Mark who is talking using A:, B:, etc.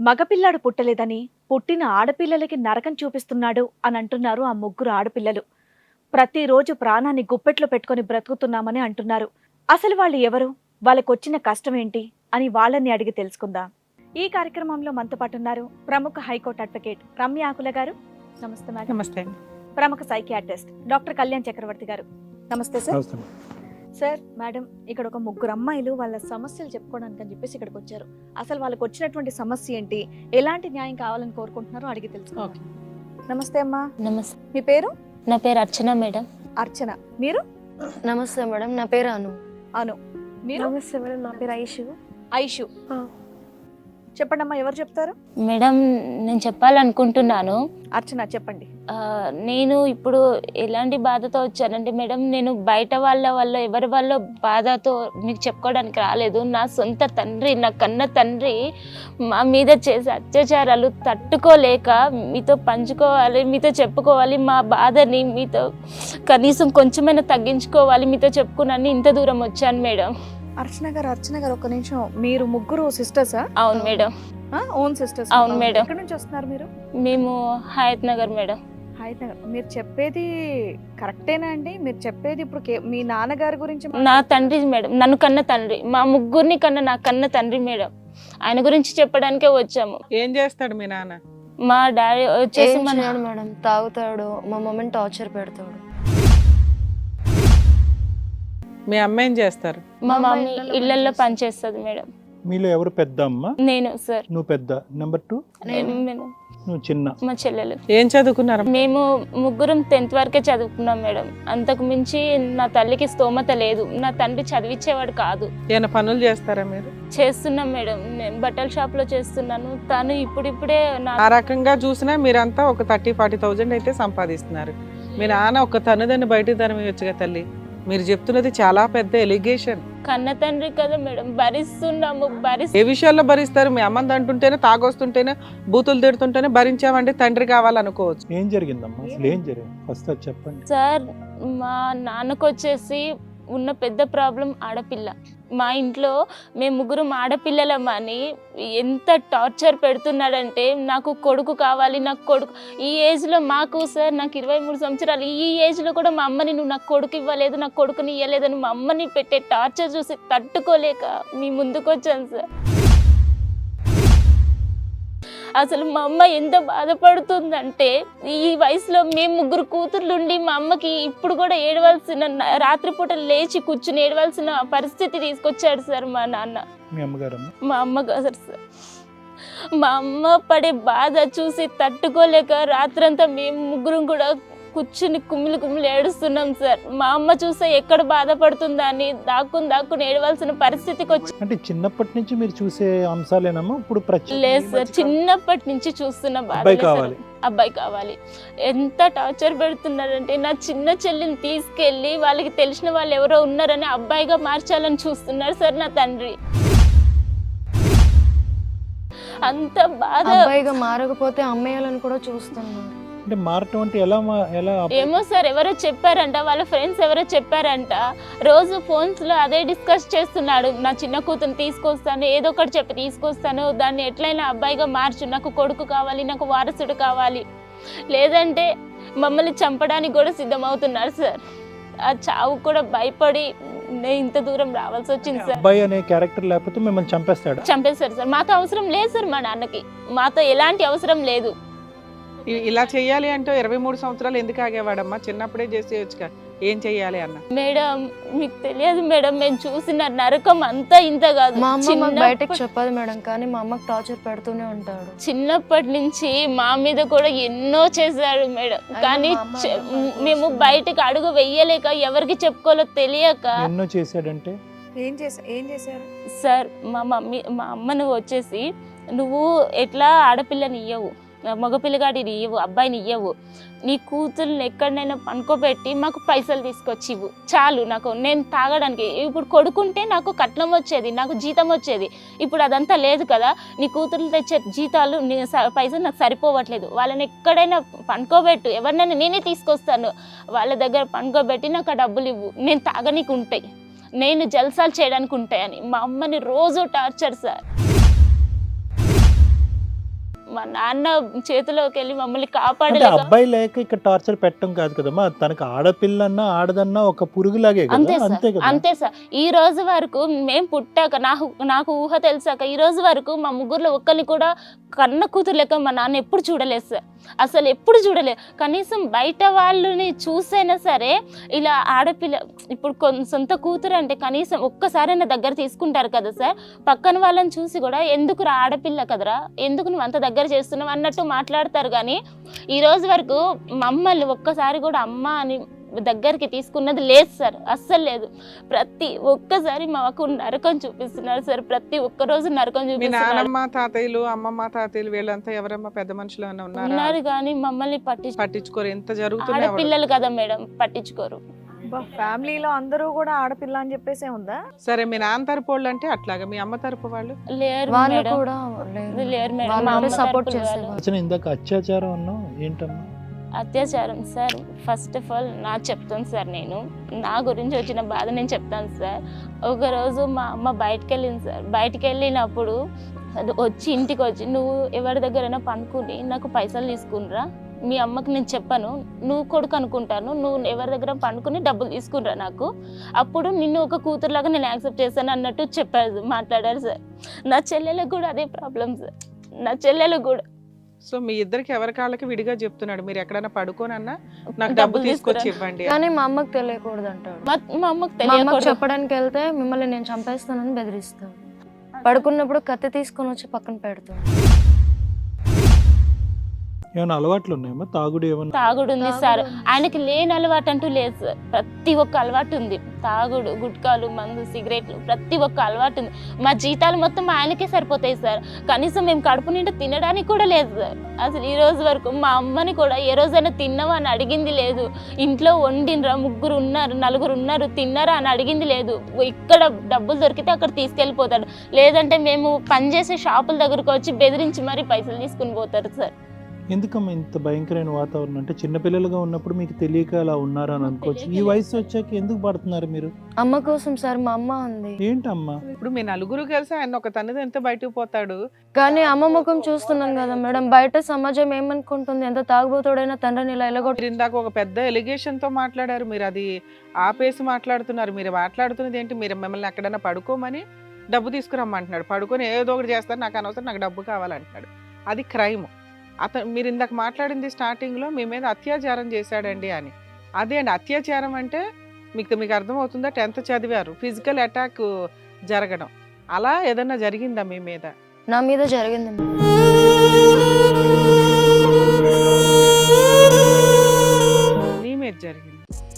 A: మగపిల్లాడు పుట్టలేదని పుట్టిన ఆడపిల్లలకి నరకం చూపిస్తున్నాడు అని అంటున్నారు ఆ ముగ్గురు ఆడపిల్లలు. ప్రతిరోజు ప్రాణాన్ని గుప్పెట్లో పెట్టుకొని బ్రతుకుతున్నామని అంటున్నారు. అసలు వాళ్ళు ఎవరు, వాళ్ళకొచ్చిన కష్టం ఏంటి అని వాళ్ళని అడిగి తెలుసుకుందాం. ఈ కార్యక్రమంలో మనతో పాటు ఉన్నారు ప్రముఖ హైకోర్టు అడ్వకేట్ రమ్య ఆకుల గారు. నమస్తే మేడం.
B: నమస్తే.
A: ప్రముఖ సైకియాట్రిస్ట్ డాక్టర్ కళ్యాణ్ చక్రవర్తి గారు. నమస్తే సార్. సార్, మేడం, ఇక్కడ ఒక ముగ్గురు అమ్మాయిలు వాళ్ళ సమస్యలు చెప్పుకోవడానికి అని చెప్పేసి ఇక్కడికి వచ్చారు. అసలు వాళ్ళకి వచ్చినటువంటి సమస్య ఏంటి, ఎలాంటి న్యాయం కావాలని కోరుకుంటున్నారో అడిగి తెలుసుకోవాలి. నమస్తే అమ్మా.
C: నమస్తే.
A: మీ పేరు?
C: నా పేరు అర్చన మేడం.
A: అర్చన. మీరు?
D: నమస్తే మేడం, నా పేరు అను.
A: అను. మీరు?
D: నమస్తే మేడం, నా పేరు ఐషు.
A: ఐషు. చెప్పండి అమ్మా, ఎవరు చెప్తారు?
C: మేడం, నేను చెప్పాలనుకుంటున్నాను.
A: అర్చన చెప్పండి.
C: నేను ఇప్పుడు ఎలాంటి బాధతో వచ్చానంటే మేడం, నేను బయట వాళ్ళ ఎవరి వాళ్ళ బాధతో మీకు చెప్పుకోవడానికి రాలేదు. నా సొంత తండ్రి, నా కన్న తండ్రి మా మీద చేసే అత్యాచారాలు తట్టుకోలేక మీతో పంచుకోవాలి, మీతో చెప్పుకోవాలి, మా బాధని మీతో కనీసం కొంచెమైనా తగ్గించుకోవాలి, మీతో చెప్పుకున్నాను ఇంత దూరం వచ్చాను మేడం.
A: అర్చన గారు ఒక్క నిమిషం. మీరు ముగ్గురు సిస్టర్సా?
C: అవును మేడం.
A: Own sisters?
C: అవును మేడం.
A: ఎక్కడి నుంచి వస్తున్నారు మీరు?
C: మేము హయత్ నగర్ మేడం.
A: హయత్ నగర్. మీరు చెప్పేది కరెక్టేనా అండి? మీరు చెప్పేది ఇప్పుడు మీ నాన్నగారి గురించి?
C: నా తండ్రి మేడం, నన్ను కన్న తండ్రి, మా ముగ్గురిని కన్న నా కన్న తండ్రి మేడం. ఆయన గురించి చెప్పడానికే వచ్చాము.
B: ఏం చేస్తాడు మీ నాన్న?
C: మా డాడీ వచ్చేసి
D: మేడం తాగుతాడు, మా మమ్మీని టార్చర్ పెడతాడు.
B: మీ అమ్మ ఏం చేస్తారు?
C: మా మమ్మీ ఇళ్లలో పనిచేస్తుంది మేడం.
E: మీలో ఎవరు పెద్ద అమ్మ?
C: నేను సార్.
E: నువ్వు పెద్ద. నెంబర్ 2 నువ్వు చిన్న.
C: మా చెల్లెలు.
B: ఏం చదువుకున్నారు?
C: మేము ముగ్గురం 10th వరకే చదువుకున్నాం మేడం. అంతకు మించి నా తల్లికి స్తోమత లేదు. నా తండ్రి చదివించేవాడు కాదు.
B: ఏమైనా పనులు చేస్తారా మీరు?
C: చేస్తున్నాం మేడం. నేను బట్టల షాప్ లో చేస్తున్నాను. తను ఇప్పుడిప్పుడే
B: ఆ రకంగా చూసినా మీరంతా ఒక 30-40,000 అయితే సంపాదిస్తున్నారు. మీ నాన్న ఒక తనుదని బయట తనమియొచ్చుగా తల్లి. మీరు చెప్తున్నది చాలా పెద్ద ఎలిగేషన్.
C: కన్న తండ్రి కదా మేడం, భరిస్తున్నాము.
B: ఏ విషయాల్లో భరిస్తారు? మీ అమ్మని అంటుంటేనే, తాగొస్తుంటేనే, బూతులు తిడుతుంటేనే భరించామంటే తండ్రి కావాలనుకోవచ్చు.
E: ఏం జరిగిందమ్మా? అసలు ఏం జరిగింది ఫస్ట్ అది చెప్పండి.
C: సార్, మా నాన్నకు వచ్చేసి ఉన్న పెద్ద ప్రాబ్లం ఆడపిల్ల. మా ఇంట్లో మేము ముగ్గురం ఆడపిల్లలమని ఎంత టార్చర్ పెడుతున్నాడంటే, నాకు కొడుకు కావాలి, నాకు కొడుకు. ఈ ఏజ్లో మాకు సార్, నాకు 23 సంవత్సరాలు, ఈ ఏజ్లో కూడా మా అమ్మని నువ్వు నాకు కొడుకు ఇవ్వలేదు, నాకు కొడుకుని ఇవ్వలేదని మా అమ్మని పెట్టే టార్చర్ చూసి తట్టుకోలేక మీ ముందుకు వచ్చాను సార్. అసలు మా అమ్మ ఎంత బాధపడుతుందంటే, ఈ వయసులో మేము ముగ్గురు కూతుర్లుండి మా అమ్మకి ఇప్పుడు కూడా ఏడవలసిన, రాత్రిపూట లేచి కూర్చుని ఏడవలసిన పరిస్థితి తీసుకొచ్చాడు సార్ మా నాన్న.
E: మీ అమ్మగారు?
C: మా అమ్మగారు సార్. మా అమ్మ పడే బాధ చూసి తట్టుకోలేక రాత్రంతా మేము ముగ్గురం కూడా కూర్చుని కుమ్మిలి ఏడుస్తున్నాం సార్. మా అమ్మ చూస్తే ఎక్కడ బాధపడుతుందా అని దాక్కుని ఏడవలసిన పరిస్థితికి వచ్చి.
E: అంటే చిన్నప్పటి నుంచి మీరు చూసే అంశాలేనమ్మా ఇప్పుడు?
C: లేదు సార్, చిన్నప్పటి నుంచి చూస్తున్న బాధ. అబ్బాయి కావాలి. ఎంత టార్చర్ పెడుతున్నారంటే, నా చిన్న చెల్లిని తీసుకెళ్లి వాళ్ళకి తెలిసిన వాళ్ళు ఎవరో ఉన్నారని అబ్బాయిగా మార్చాలని చూస్తున్నారు సార్ నా తండ్రి. అంత బాధ.
D: అబ్బాయిగా మారకపోతే అమ్మేయాలని కూడా చూస్తున్నారు.
E: అంటే మారటం అంటే ఎలా?
C: ఏమో సార్, ఎవరో చెప్పారంట, వాళ్ళ ఫ్రెండ్స్ ఎవరో చెప్పారంట. రోజు ఫోన్స్ లో అదే డిస్కస్ చేస్తున్నాడు. నా చిన్న కూతురు తీసుకొస్తాను, ఏదో ఒకటి చెప్పి తీసుకొస్తాను, దాన్ని ఎట్లయినా అబ్బాయిగా మార్చు, నాకు కొడుకు కావాలి, నాకు వారసుడు కావాలి, లేదంటే మమ్మల్ని చంపడానికి కూడా సిద్ధమవుతున్నారు సార్. ఆ చావు కూడా భయపడి నేను ఇంత దూరం రావాల్సి వచ్చింది సార్.
E: అబ్బాయి అనే క్యారెక్టర్ లేకపోతే మిమ్మల్ని చంపేస్తాడు
C: సార్. మాతో అవసరం లేదు సార్, మా నాన్నకి మాతో ఎలాంటి అవసరం లేదు.
B: ఇలా చెయ్యాలి అంటే 23 సంవత్సరాలు ఎందుకు ఆగేవాడమ్మా? చిన్నప్పుడే చేసేయచ్చుగా. ఏం చెయ్యాలి అన్న?
C: మేడం, మీకు తెలియదు మేడం, మేము చూసిన నరకం అంతా ఇంత కాదు.
D: మా అమ్మ బయటకు చెప్పదు మేడం, కానీ మా అమ్మకి టార్చర్ పెడుతూనే ఉంటాడు.
C: చిన్నప్పటి నుంచి మా మీద కూడా ఎన్నో చేశాడు మేడం, కానీ మేము బయటకు అడుగు వెయ్యలేక, ఎవరికి చెప్పుకోవాలో తెలియక.
E: ఎన్నో చేశాడంటే
A: ఏం చేశారు
C: సార్? మా అమ్మను వచ్చేసి, నువ్వు ఎట్లా ఆడపిల్లని ఇయ్యవు, మగపిల్లగాడిని ఇవ్వు, అబ్బాయిని ఇవ్వవు, నీ కూతుర్ని ఎక్కడైనా పనుకోబెట్టి మాకు పైసలు తీసుకొచ్చి ఇవ్వు చాలు, నాకు నేను తాగడానికి. ఇప్పుడు కొడుకుంటే నాకు కట్నం వచ్చేది, నాకు జీతం వచ్చేది. ఇప్పుడు అదంతా లేదు కదా. నీ కూతుర్లు తెచ్చే జీతాలు, పైసలు నాకు సరిపోవట్లేదు. వాళ్ళని ఎక్కడైనా పనుకోబెట్టు, ఎవరినైనా నేనే తీసుకొస్తాను, వాళ్ళ దగ్గర పనుకోబెట్టి నాకు ఆ డబ్బులు ఇవ్వు, నేను తాగనీకు ఉంటాయి, నేను జల్సాలు చేయడానికి ఉంటాయని మా అమ్మని రోజు టార్చర్ సార్. మా నాన్న చేతిలోకి వెళ్ళి మమ్మల్ని
E: అంటే
C: కాపాడలేక
E: అబ్బాయి లేక ఇక్కడ టార్చర్ పెట్టడం కాదు కదమ్మా, తనకు ఆడపిల్లన్నా ఆడదన్నా ఒక పురుగులాగే
C: అంతే
E: కదా,
C: సార్
E: అంతే కదా.
C: అంతే సార్. ఈ రోజు వరకు మేము పుట్టాక నాకు ఊహ తెలిసాక ఈ రోజు వరకు మా ముగ్గురులో ఒక్కరిని కూడా కన్న కూతురు లెక్క మా నాన్న ఎప్పుడు చూడలేదు సార్, అసలు ఎప్పుడు చూడలేదు. కనీసం బయట వాళ్ళని చూసైనా సరే ఇలా ఆడపిల్ల ఇప్పుడు సొంత కూతురు అంటే కనీసం ఒక్కసారైనా దగ్గర తీసుకుంటారు కదా సార్. పక్కన వాళ్ళని చూసి కూడా ఎందుకు ఆడపిల్ల కదరా, ఎందుకు నువ్వు అంత దగ్గర చేస్తున్నావు అన్నట్టు మాట్లాడతారు. కానీ ఈ రోజు వరకు మమ్మల్ని ఒక్కసారి కూడా అమ్మ అని దగ్గరికి తీసుకున్నది లేదు సార్, అస్సలు లేదు. ప్రతి ఒక్కసారి మాకు నరకం చూపిస్తున్నారు సార్, ప్రతి ఒక్క రోజు నరకం
B: మీ
C: చూపిస్తున్నారు.
B: నానమ్మ తాతయ్యలు అమ్మమ్మ తాతయ్యలు వీళ్ళంతా ఎవరమ్మా పెద్ద మనుషులు ఏమైనా ఉన్నారా?
C: ఉన్నారు కానీ మమ్మల్ని
B: పట్టించుకోరు. ఎంత జరుగుతున్నా
C: ఆడపిల్లలు కదా మేడం, పట్టించుకోరు.
F: ఫ్యామిలీలో అందరూ కూడా ఆడపిల్ల అని చెప్పేసే ఉందా?
B: సరే మీ నాన్న తరపు వాళ్ళు అంటే అట్లాగా, మీ అమ్మ తరపు వాళ్ళు
C: లేరు
D: వాళ్ళు
C: మేడం,
D: కూడా
C: లేరు మేడం.
D: వాళ్ళు
C: మా
D: కూడా
C: అమ్మ
D: సపోర్ట్
C: తరపున వాళ్ళు.
D: చేసేవాళ్ళు.
E: అసలు ఇందాక అత్యాచారం అన్నావు ఏంటమ్మా?
C: అత్యాచారం సార్, ఫస్ట్ ఆఫ్ ఆల్ నా చెప్తాను సార్, నేను నా గురించి వచ్చిన బాధ నేను చెప్తాను సార్. ఒకరోజు మా అమ్మ బయటకు వెళ్ళింది సార్, బయటకు వెళ్ళినప్పుడు వచ్చి ఇంటికి వచ్చి నువ్వు ఎవరి దగ్గరైనా పనుకుని నాకు పైసలు తీసుకునిరా, మీ అమ్మకి నేను చెప్పాను, నువ్వు కొడుకు అనుకుంటాను, నువ్వు ఎవరి దగ్గర పనుకుని డబ్బులు తీసుకునిరా నాకు, అప్పుడు నిన్ను ఒక కూతురులాగా నేను యాక్సెప్ట్ చేశాను అన్నట్టు చెప్పారు, మాట్లాడారు సార్. నా చెల్లెలకు కూడా అదే ప్రాబ్లం సార్, నా చెల్లెలకు కూడా.
B: సో మీ ఇద్దరికి ఎవరి కాళ్ళకి విడిగా చెప్తున్నాడు, మీరు ఎక్కడైనా పడుకోనన్నా నాకు డబ్బు తీసుకొచ్చి ఇవ్వండి.
D: కానీ మా అమ్మకి తెలియకూడదు అంటాడు.
C: మా అమ్మకు
D: మా అమ్మకి
C: తెలియకూడదు.
D: చెప్పడానికి వెళ్తే మిమ్మల్ని నేను చంపేస్తానని బెదిరిస్తాను. పడుకున్నప్పుడు కత్తి తీసుకొని వచ్చి పక్కన పెడతాను.
E: ఏమైనా అలవాట్లు ఉన్నాయమ్మా? తాగుడు ఏమన్నా?
C: తాగుడు ఉంది సార్, ఆయనకి లేని అలవాటు అంటూ లేదు సార్, ప్రతి ఒక్క అలవాటు ఉంది. తాగుడు, గుట్కాలు, మందు, సిగరెట్లు, ప్రతి ఒక్క అలవాటు ఉంది. మా జీతాలు మొత్తం ఆయనకే సరిపోతాయి సార్, కనీసం మేము కడుపు నిండా తినడానికి కూడా లేదు సార్. అసలు ఈ రోజు వరకు మా అమ్మని కూడా ఏ రోజైనా తిన్నావా అని అడిగింది లేదు. ఇంట్లో వండినరా, ముగ్గురు ఉన్నారు, నలుగురు ఉన్నారు, తిన్నారా అని అడిగింది లేదు. ఇక్కడ డబ్బులు దొరికితే అక్కడ తీసుకెళ్ళిపోతాడు, లేదంటే మేము పనిచేసే షాపుల దగ్గరకు వచ్చి బెదిరించి మరీ పైసలు తీసుకుని పోతారు సార్.
E: ఎందుకమ్మా ఇంత భయంకరమైన వాతావరణం? అంటే చిన్నపిల్లలుగా ఉన్నప్పుడు మీకు తెలియక అలా ఉన్నారా అని అనుకోవచ్చు. ఈ వయసు వచ్చాక ఎందుకు పడుతున్నారు మీరు?
D: అమ్మ కోసం సార్, మా అమ్మ ఉంది.
E: ఏంటమ్మా?
B: ఇప్పుడు మీ నలుగురు కలిసి ఆయన ఒక తన్నుది ఎంత బయటకు పోతాడు.
D: కానీ అమ్మ ముఖం చూస్తున్నాను కదా మేడం, బయట సమాజం ఏమనుకుంటుంది, ఎంత తాగుబోతుడైనా తండ్రిని ఇలా ఎలగొట్టి.
B: మీరు ఇందాక ఒక పెద్ద ఎలిగేషన్ తో మాట్లాడారు, మీరు అది ఆపేసి మాట్లాడుతున్నారు. మీరు మాట్లాడుతున్నది ఏంటి? మీరు మిమ్మల్ని ఎక్కడైనా పడుకోమని డబ్బు తీసుకురమ్మంటున్నాడు, పడుకొని ఏదో ఒకటి చేస్తారు, నాకు అనవసరం, నాకు డబ్బు కావాలంటున్నాడు. అది క్రైమ్. అతను మీరు ఇందాక మాట్లాడింది స్టార్టింగ్లో మీ మీద అత్యాచారం చేశాడండి అని. అదే అండి అత్యాచారం అంటే, మీకు అర్థమవుతుందా? 10th చదివారు, ఫిజికల్ అటాక్ జరగడం, అలా ఏదన్నా జరిగిందా మీ మీద?
D: నా మీద జరిగింది మేడం.
B: నీ మీద జరిగింది.